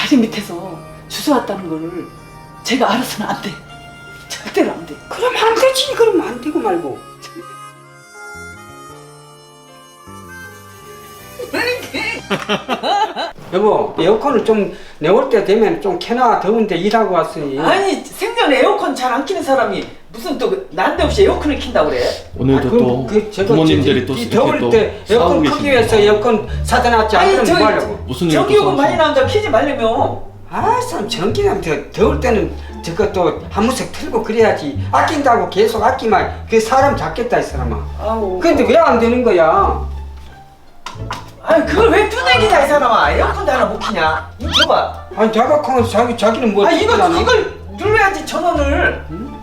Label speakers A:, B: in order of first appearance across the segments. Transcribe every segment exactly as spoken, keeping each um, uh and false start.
A: 다리 밑에서 주워왔다는 거를 제가 알아서는 안 돼. 절대로 안 돼.
B: 그럼 안 되지. 그럼 안 되고 말고. 여보, 에어컨을 좀 내올 때 되면 좀 켜놔. 더운데 일하고 왔으니.
A: 아니 생전에 에어컨 잘 안 키는 사람이 무슨 또 난데없이 에어컨을 킨다고 그래?
C: 오늘도
B: 아, 그,
C: 또
B: 그, 저거
C: 부모님들이
B: 저,
C: 또
B: 이
C: 이렇게
B: 더울
C: 또
B: 때 에어컨
C: 싸우고
B: 크기 위해서
C: 계십니다.
B: 에어컨 사다 놨지. 안
A: 아니
B: 그러면
A: 저기
B: 뭐 하려고.
C: 무슨 일이 또
A: 전기요금 많이
C: 싸우시나?
A: 나온다 키지 말려면.
B: 아, 참 전기는 더, 더울 때는 저것도 한 무색 틀고 그래야지. 아낀다고 계속 아끼면 그 사람 잡겠다 이 사람아.
A: 아우.
B: 근데 왜 안 되는 거야?
A: 아니 그걸 왜 뚜내기냐 이 사람아. 에어컨도 하나 못 키냐? 이거 줘봐.
B: 아니 자각하면 자기 자기는 뭐
A: 아 이거
B: 듣잖아.
A: 이걸 눌러야지 전원을.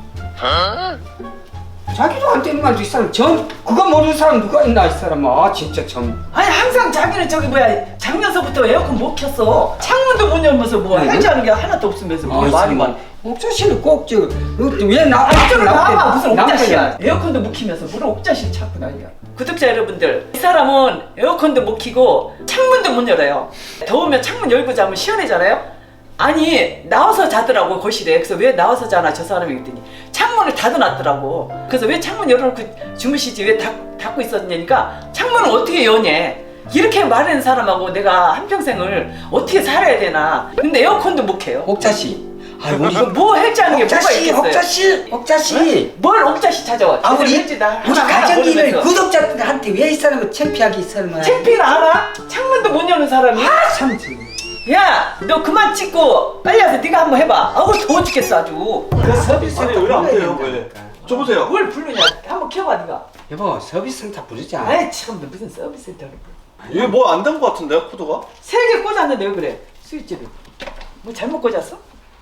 B: 자기도 안 되는 말도 이 사람 전 그거 모르는 사람 누가 있나 이 사람아. 아 진짜 참.
A: 아니 항상 자기는 저기 뭐야 작년서부터 에어컨 못 켰어. 창문도 못 열면서 뭐
B: 아이고.
A: 해지하는 게 하나도 없으면서 뭐
B: 아,
A: 말이 많.
B: 옥자 씨는 꼭저왜나
A: 아니 저를 나와 무슨 옥자씨야. 에어컨도 못 키면서 무슨 옥자씨를 찾고 난리야. 구독자 여러분들 이 사람은 에어컨도 못 키고 창문도 못 열어요. 더우면 창문 열고 자면 시원해잖아요. 아니 나와서 자더라고 거실에. 그래서 왜 나와서 자나 저 사람이 그랬더니 창문을 닫아놨더라고. 그래서 왜 창문 열어놓고 주무시지 왜 닫, 닫고 있었냐니까 창문을 어떻게 여냐 이렇게 말하는 사람하고 내가 한평생을 어떻게 살아야 되나. 근데 에어컨도 못 켜요.
B: 옥자 씨. 아이고
A: 이거 뭐 할지 않은 게
B: 옥자
A: 뭐가
B: 씨,
A: 있겠어요.
B: 옥자 씨, 옥자 씨.
A: 뭘 옥자씨 찾아와.
B: 아 우리
A: 제대로 나
B: 우리
A: 하나 하나
B: 가정기를
A: 모르면서.
B: 구독자한테 왜 이 사람은 창피하게 이 사람은.
A: 창피를 알아? 창문도 못 여는 사람이?
B: 아 참. 지금.
A: 야, 너 그만 찍고 빨리 와서 네가 한번 해봐. 아우 더워 죽겠어 아주.
B: 그 서비스
D: 아니 왜 안 돼요? 왜? 줘보세요.
A: 뭘 부르냐? 한번 켜봐 네가.
B: 여보 서비스 센터 부르자.
A: 아이 참, 너 무슨 서비스 센터를 불러.
D: 이게 뭐 안 된 것 같은데요, 코드가?
A: 세 개 꽂았는데 왜 그래? 스위치를. 뭐 잘못 꽂았어?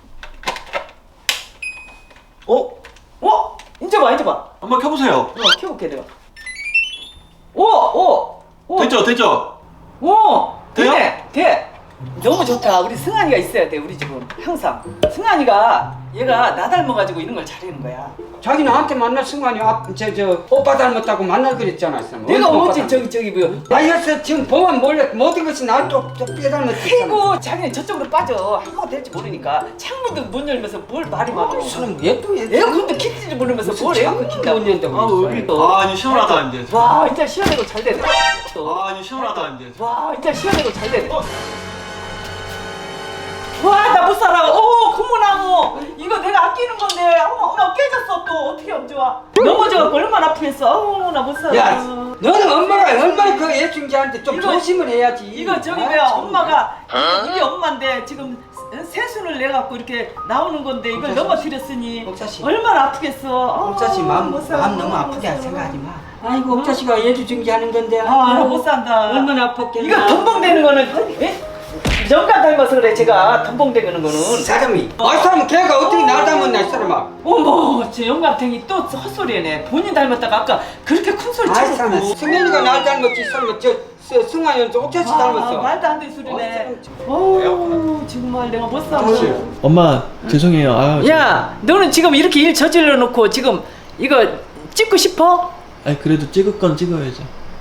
D: 어?
A: 어? 이제 봐, 이제 봐.
D: 한번 켜보세요.
A: 어, 켜볼게 내가. 오, 오, 오.
D: 됐죠, 됐죠?
A: 오,
D: 돼요?
A: 되네, 돼. 너무 좋다. 우리 승환이가 있어야 돼. 우리 집은 항상. 승환이가 얘가 나 닮아가지고 이런 걸 잘하는 거야.
B: 자기 나한테 만날 순간이 저저 오빠 닮았다고 만날 그랬잖아 이 사람.
A: 내가
B: 오빠
A: 어제
B: 닮았-
A: 저기 저기 뭐.
B: 아이어서 지금 보면 몰래 모든 것이 나또 빼닮았지.
A: 아이고 자기는 저쪽으로 빠져. 한번 될지 모르니까 창문도 못 열면서 뭘 말이 많아.
B: 사람 왜또
A: 에어컨도 킬지도 모르면서 뭘 에어컨 킨다고.
B: 못 연다고.
A: 아,
B: 있어.
A: 여기 또.
D: 아, 이제 시원하다, 이제.
A: 와 진짜 시원하고 잘 되네.
D: 아, 이제 시원하다, 이제.
A: 와 진짜 시원하고 잘 되네. 와 나 못 살아. 오 고무나무 이거 내가 아끼는 건데 어머 어머 깨졌어 또 어떻게 하면 좋아. 넘어져갖고 얼마나 아프겠어. 어우 나 못 살아.
B: 야, 너는 엄마가 얼마나 그 애중지한테 좀
A: 이거-
B: 조심을 해야지.
A: 이거 저기
B: 아,
A: 뭐야
B: 참.
A: 엄마가 이게, 이게 엄마인데 지금 세순을 내갖고 이렇게 나오는 건데 이걸
B: 옥자씨.
A: 넘어뜨렸으니
B: 옥자씨.
A: 얼마나 아프겠어.
B: 옥자씨 마음
A: 못 살아.
B: 마음 너무 아프게
A: 못 살아.
B: 생각하지 마. 아이고 옥자씨가 애주중지하는 건데.
A: 아, 못 산다.
B: 얼마나 아팠겠나.
A: 이거 덤벙대는 거는 에? 영감 닮아서 그래 제가 덤벙대는 거는.
B: 사람이. 아 사람 걔가 어떻게 날 닮았나 이 사람아.
A: 어머 저 영감탱이 또 헛소리네. 본인 닮았다가 아까 그렇게 큰 소리
B: 아이 사람.
A: 치고.
B: 승현이가 날 닮았지 이 사람아. 저 저, 승환이는 저 옥자씨
A: 아,
B: 닮았어.
A: 말도 안 되는 소리네.
B: 아,
A: 어우 정말 내가 못 살아.
C: 엄마 죄송해요. 아유,
A: 야 너는 지금 이렇게 일 저질러 놓고 지금 이거 찍고 싶어?
C: 아니 그래도 찍을 건 찍어야죠.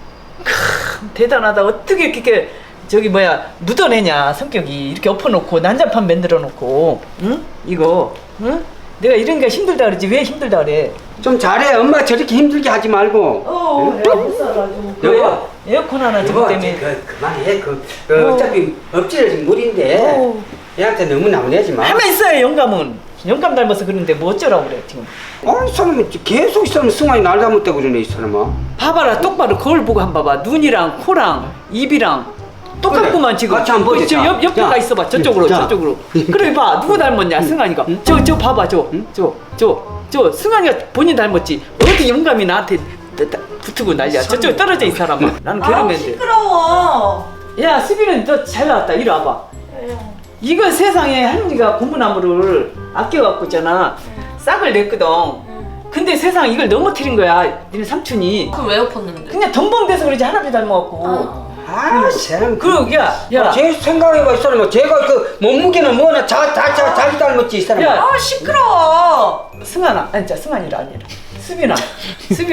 A: 대단하다. 어떻게 이렇게 저기 뭐야 묻어내냐 성격이. 이렇게 엎어놓고 난장판 만들어 놓고 응? 이거 응? 내가 이런 게 힘들다 그러지 왜 힘들다 그래.
B: 좀 잘해. 엄마 저렇게 힘들게 하지 말고.
A: 어 내가 못 살아.
B: 여보.
A: 에어컨 하나
B: 여보,
A: 저거 때문에.
B: 그, 그만해. 그, 그
A: 어.
B: 어차피 엎질러진 물인데
A: 어.
B: 얘한테 너무 나무내지 마.
A: 하면 있어요 영감은. 영감 닮아서 그러는데 뭐 어쩌라고 그래 지금.
B: 아이 사람이 계속 이 사람 승환이 날 닮았다고 그러네 이 사람아.
A: 봐봐라 똑바로 거울 보고 한번 봐봐. 눈이랑 코랑 입이랑 똑같구만
B: 그래,
A: 지금.
B: 같이 한번 보자.
A: 저 옆, 옆에
B: 자.
A: 가 있어봐. 저쪽으로
B: 자.
A: 저쪽으로. 그래 봐 누구 닮았냐 승환이가. 저 저 봐봐 저 저 저 저 승환이가 본인 닮았지. 어디 영감이 나한테 따- 따- 붙고 난리야. 저쪽 떨어져 이 사람아. 나는
E: 아
A: 괴로운데.
E: 시끄러워.
A: 야 수빈은 너 잘 나왔다. 이리 와봐. 이거 세상에 할머니가 고무나무를 아껴갖고 있잖아. 싹을 냈거든. 근데 세상 이걸 넘어뜨린 거야. 니네 삼촌이.
E: 그걸 왜 엎었는데?
A: 그냥 덤벙대서 그러지 할아버지 닮아갖고.
B: 아, 사람.
A: 그리고 야, 야,
B: 제 생각해봐 이 사람아. 제가 그 몸무게는 뭐나 자, 자, 자, 자기 닮았지 이 사람아.
A: 야.
E: 아 시끄러워.
A: 승환아, 아니 자 승환이라 아니라 수빈아, 수빈아,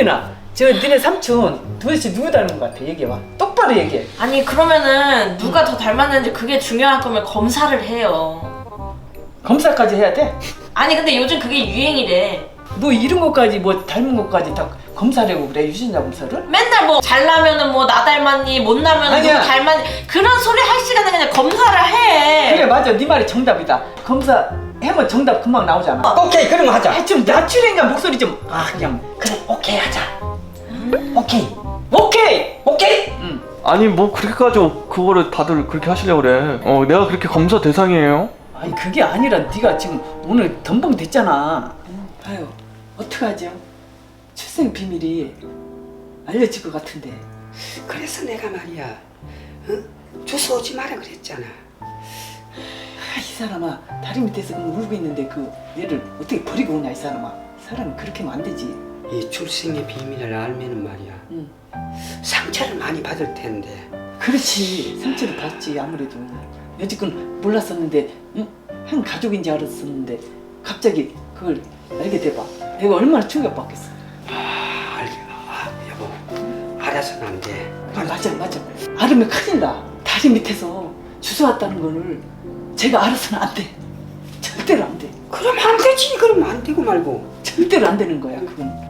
A: 저 너네 삼촌 도대체 누구 닮은 것 같아? 얘기해봐. 똑바로 얘기해.
E: 아니 그러면은 누가 더 닮았는지 그게 중요할 거면 검사를 해요.
A: 검사까지 해야 돼?
E: 아니 근데 요즘 그게 유행이래.
A: 뭐 이런 것까지 뭐 닮은 것까지 다 검사라고 그래? 유전자 검사를?
E: 맨날 뭐 잘나면은 뭐 나 닮았니 못 나면은
A: 아니야.
E: 누구 닮았니 그런 소리 할 시간에 그냥 검사를 해.
A: 그래 맞아. 네 말이 정답이다. 검사 해면 정답 금방 나오잖아.
B: 오케이 그럼 하자.
A: 아, 좀 낮추니까 목소리 좀. 아 그냥 그래 오케이 하자. 오케이 오케이 오케이. 응.
D: 아니 뭐 그렇게까지 그거를 다들 그렇게 하시려고 그래. 어 내가 그렇게 검사 대상이에요?
A: 아니 그게 아니라 네가 지금 오늘 덤벙 됐잖아. 아유 어떡하죠? 출생 비밀이 알려질 것 같은데.
B: 그래서 내가 말이야, 응? 주소 오지 마라 그랬잖아.
A: 아, 이 사람아 다리 밑에서 그냥 울고 있는데 그 얘를 어떻게 버리고 오냐 이 사람아. 사람이 그렇게 하면 안 되지.
B: 이 출생의 비밀을 알면은 말이야,
A: 응.
B: 상처를 많이 받을 텐데.
A: 그렇지 상처를 받지 아무래도. 여지껏 몰랐었는데 응? 한 가족인지 알았었는데 갑자기 그걸 알게 돼봐. 내가 얼마나 충격받겠어.
B: 아, 알게, 아, 여보, 알아서는 안 돼.
A: 아, 맞아 맞아. 알으면 큰일 나. 다리 밑에서 주워 왔다는 거를 제가 알아서는 안 돼. 절대로 안 돼.
B: 그럼 안 되지. 그럼 안 되고 말고.
A: 절대로 안 되는 거야 그건.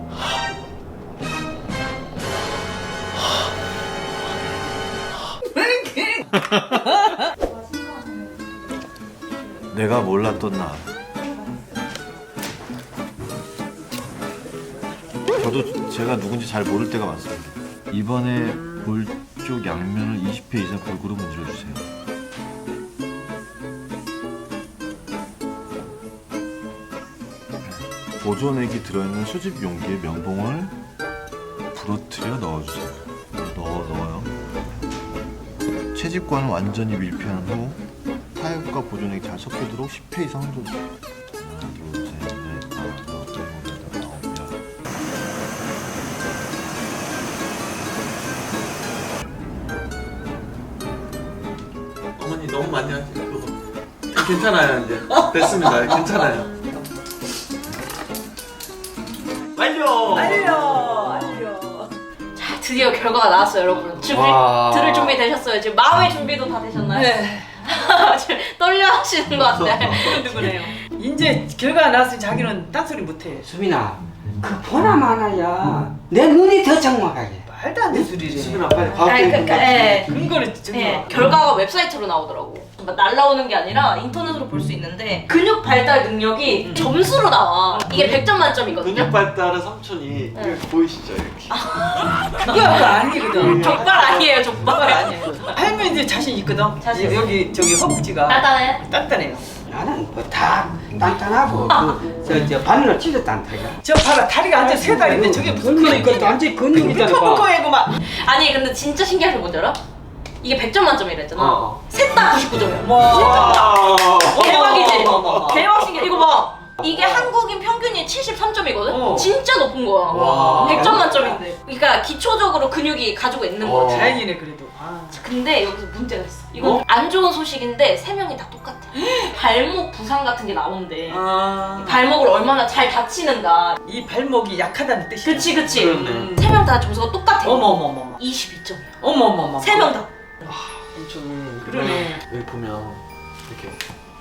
F: 내가 몰랐던 나. 저도 제가 누군지 잘 모를 때가 많습니다. 이번에 볼 쪽 양면을 이십 회 이상 골고루 문질러주세요. 보존액이 들어있는 수집 용기에 면봉을 부러뜨려 넣어주세요. 넣어 넣어요. 채집과는 완전히 밀폐한 후 타액과 보존액이 잘 섞이도록 십 회 이상 흔들어주세요. 하나, 둘, 셋, 넷, 다섯, 여섯, 일곱, 여덟, 아홉, 열.
D: 어머니 너무 많이 하지 그거. 괜찮아요 이제. 됐습니다. 괜찮아요. 완료.
A: 알려 알려.
E: 자 드디어 결과가 나왔어요 여러분. 준비
B: 와.
E: 들을 준비 되셨어요? 지금 마음의 준비도 다 되셨나요?
A: 네.
E: 지금 떨려 하시는 것 같아. 누구네요?
A: 이제 결과가 나왔으니 자기는 딴소리 못해.
B: 수민아, 그 보나 마나야. 내 눈이 더 장막하게.
A: 말도 안 되는 소리를 해.
D: 수빈아 빨리
E: 아니
D: 과학적인
E: 그러니까
D: 거
E: 예.
A: 근거를 저기
E: 예, 결과가 웹사이트로 나오더라고. 막 날라오는 게 아니라 인터넷으로 볼 수 있는데 근육 발달 능력이 점수로 나와. 이게 백 점 만점이거든요.
D: 근육 발달은 삼촌이
E: 네.
D: 이거 보이시죠 이렇게.
A: 그거 아니거든.
E: 족발 아니에요
A: 그거
E: 족발.
A: 아니에요. 할머니 이제 자신 있거든.
E: 자신 있어.
A: 여기 저기 허벅지가
E: 따다해.
A: 단단해요.
B: 나는 뭐 다 단단하고 그, 저, 저 바늘로 찢었단 말이야.
A: 저 봐라 다리가 완전 세 다리인데 저게 무슨
B: 그러니까
A: 근육이야?
B: 완전 근육이잖아. 봐.
A: 펑펑하고 막.
E: 아니 근데 진짜 신기한 게 뭔지 알아? 이게 백 점 만점이라 했잖아.
D: 어.
E: 셋 다 구십구 점이야.
A: 와.
E: 대박이지?
A: 어머, 어머, 어머.
E: 대박 신기해. 이거 봐. 이게 한국인 평균이 칠십삼 점이거든?
A: 어.
E: 진짜 높은 거야.
D: 와.
E: 백 점 만점인데. 그러니까 기초적으로 근육이 가지고 있는
D: 어.
E: 거지.
A: 다행이네 그래도. 아.
E: 근데 여기서 문제가 있어. 이건
D: 어?
E: 안 좋은 소식인데 세 명이 다 똑같아. 발목 부상 같은 게 나온대.
A: 아.
E: 발목을 얼마나 잘 다치는가.
A: 이 발목이 약하다는 뜻이야.
E: 그치 그치.
D: 그렇네.
E: 세 명 다 점수가 똑같아.
A: 어머 어머 어머.
E: 이십이 점이야.
A: 어머 어머 어머.
E: 세 명 다.
D: 삼촌이
A: 그러네.
D: 여기 보면 이렇게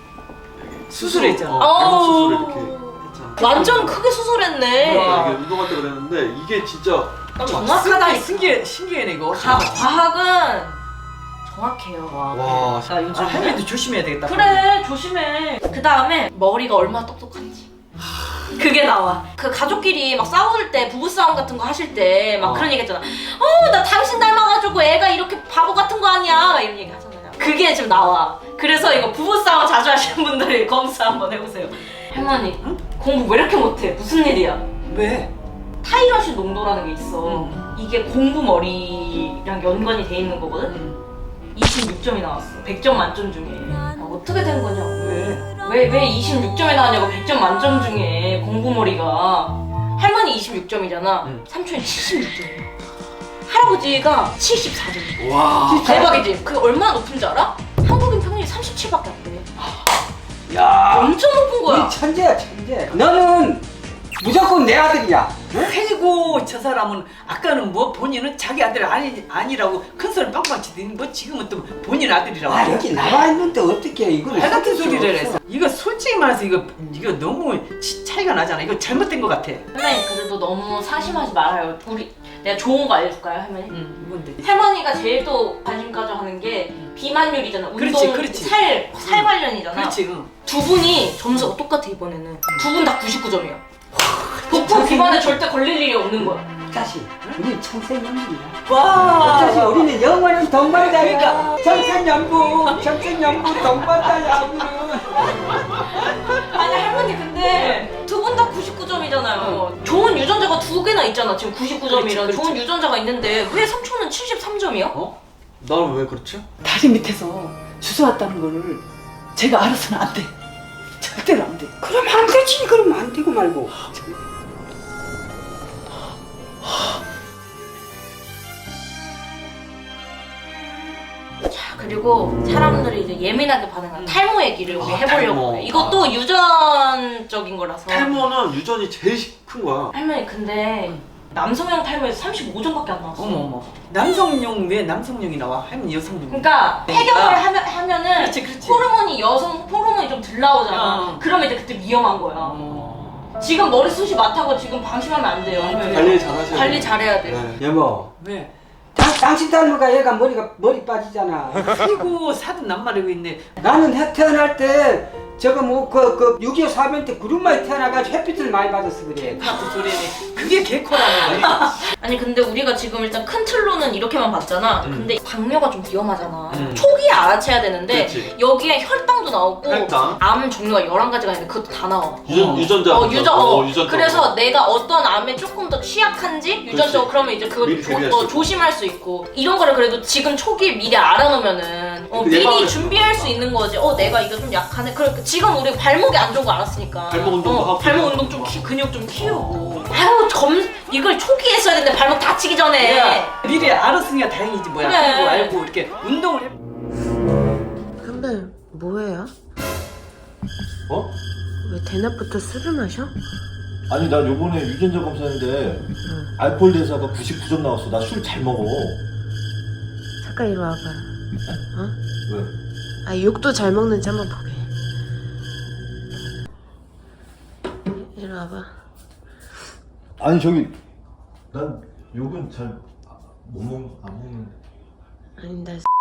A: 수술했잖아.
D: 어, 발목
E: 어우.
D: 수술 이렇게 했잖아.
E: 완전 크게 수술했네.
A: 우와.
D: 이게 운동할 때 그랬는데 이게 진짜 딱 맞아.
E: 정확하다.
A: 신기해 신기해네 이거.
E: 가, 과학은 정확해요.
D: 와.
E: 나 요즘
A: 아, 할머니도 조심해야 되겠다.
E: 그래 조심해. 그 다음에 머리가 얼마나 똑똑한지 그게 나와. 그 가족끼리 막 싸울 때 부부싸움 같은 거 하실 때 막
D: 어.
E: 그런 얘기 했잖아. 어 나 당신 닮아가지고 애가 이렇게 바보 같은 거 아니야 막 이런 얘기 하잖아요. 그게 지금 나와. 그래서 이거 부부싸움 자주 하시는 분들이 검사 한번 해보세요. 할머니 응? 공부 왜 이렇게 못해? 무슨 일이야?
A: 왜?
E: 타이러시 농도라는 게 있어.
A: 음.
E: 이게 공부 머리랑 연관이 돼 있는 거거든?
A: 음.
E: 이십육 점이 나왔어. 백 점 만점 중에. 아, 어떻게 된 거냐고.
A: 왜?
E: 왜, 왜 이십육 점이 나왔냐고. 백 점 만점 중에 공부머리가. 할머니 이십육 점이잖아.
D: 응.
E: 삼촌이 칠십육 점이야. 할아버지가 칠십사 점이야.
D: 와.
E: 대박이지? 그게 얼마나 높은지 알아? 한국인 평균이 삼십칠밖에 안 돼.
B: 야,
E: 엄청 높은 거야.
B: 이 천재야 천재. 너는 무조건 내 아들이야.
A: 아이고 저 사람은 아까는 뭐 본인은 자기 아들 아니 아니라고 큰 소리 빵빵 치더니 뭐 지금은 또 본인 아들이라고.
B: 아 여기 나와 있는데 어떻게 이걸
A: 말 같은
B: 섞을 수
A: 소리를
B: 없어.
A: 했어. 이거 솔직히 말해서 이거 이거 너무 치- 차이가 나잖아. 이거 잘못된 것 같아.
E: 할머니 그래도 너무 사심하지 말아요. 우리 내가 좋은 거 알려줄까요, 할머니?
A: 응, 뭔데?
E: 할머니가 제일 또 관심 가져하는 게 비만율이잖아. 운동,
A: 그렇지, 그렇지.
E: 살, 살 관련이잖아.
A: 그렇지. 응.
E: 두 분이 점수가 똑같아 이번에는. 두 분 다 구십구 점이야. 복부 비만에 절대 걸릴 일이 없는 거야.
B: 자식, 우리는 청생연분이야.
A: 와.
B: 자식, 우리는 영원한 동반자야.
A: 그러니까.
B: 청생연분, 청생연분 동반자야 우리는.
E: 아니 할머니 근데 두 분 다 구십구 점이잖아요. 좋은 유전자가 두 개나 있잖아. 지금 구십구 점이라
A: 그렇지, 그렇지.
E: 좋은 유전자가 있는데 왜 삼촌은 칠십삼 점이야?
D: 어? 나는 왜 그렇지?
A: 다리 밑에서 주워왔다는 거를 제가 알아서는 안 돼. 절대로 안 돼.
B: 그럼 안 되지. 그럼 안 되고 말고.
E: 자 그리고 사람들이 이제 예민하게 반응하는 탈모 얘기를 우리
D: 아,
E: 해보려고
D: 탈모.
E: 해. 이것도 유전적인 거라서.
D: 탈모는 유전이 제일 큰 거야.
E: 할머니 근데 남성형 탈모에서 삼십오 점밖에 안 나왔어.
A: 어머 어머. 남성용 왜 남성용이 나와? 할머니 여성용.
E: 그러니까 폐경을 하면, 하면은
A: 그렇지, 그렇지.
E: 호르몬이 여성 호르몬이 좀 덜 나오잖아.
A: 어.
E: 그러면 이제 그때 위험한 거야.
A: 어.
E: 지금 머리숱이 많다고 지금 방심하면 안 돼요. 할머니.
D: 관리 잘하셔야
E: 관리
D: 돼요.
E: 잘해야 돼요.
D: 네.
B: 여보,
A: 왜?
B: 당, 당신 닮은가 얘가 머리가 머리 빠지잖아.
A: 아이고 사돈 남말이고 있네.
B: 나는 해 태어날 때 저거 뭐 그 그 육이오 사변 때 구름마에 태어나가지고 햇빛을 많이 받아서 그래.
A: 같은 소리네. 그게 개코라는 거야.
E: 아니 근데 우리가 지금 일단 큰 틀로는 이렇게만 봤잖아.
D: 음.
E: 근데 당뇨가 좀 위험하잖아.
D: 음.
E: 초기에 알아채야 되는데
D: 그렇지.
E: 여기에 혈당도 나오고
D: 혈당.
E: 암 종류가 열한 가지가 있는데 그것도 다 나와.
D: 유전,
A: 어.
D: 유전자.
E: 어, 유전, 어,
D: 유전자.
E: 그래서 내가 어떤 암에 조금 더 취약한지 유전적으로
D: 그렇지.
E: 그러면 이제 그걸
D: 미리
E: 조,
D: 대비할
E: 어,
D: 수 있고.
E: 조심할 수 있고 이런 거를 그래도 지금 초기에 미리 알아놓으면은 어,
D: 그
E: 미리
D: 예방을
E: 준비할 수 있는 거지. 어 내가 이거 좀 약하네. 그러니까 지금 우리 발목이 안 좋은 거 알았으니까.
D: 발목 운동도
E: 어,
D: 하고.
E: 발목 운동 좀 키, 근육 좀 키우고. 아유 검 이걸 초기에 했어야 되는데 발목 다치기 전에.
A: 야, 미리 알았으니까 다행이지 뭐야.
E: 그래.
A: 그리고 알고 이렇게 운동을 해.
G: 선배 뭐해요?
F: 어?
G: 왜 대낮부터 술을 마셔?
F: 아니 나 요번에 유전자 검사했는데 알코올 대사가 구십구 점 나왔어. 나 술 잘 먹어.
G: 잠깐 이리 와봐.
F: 왜?
G: 아 욕도 잘 먹는지 한번 보게. 이리 와봐.
F: 아니 저기 난 욕은 잘 못 먹, 안 먹는.
G: 아니 나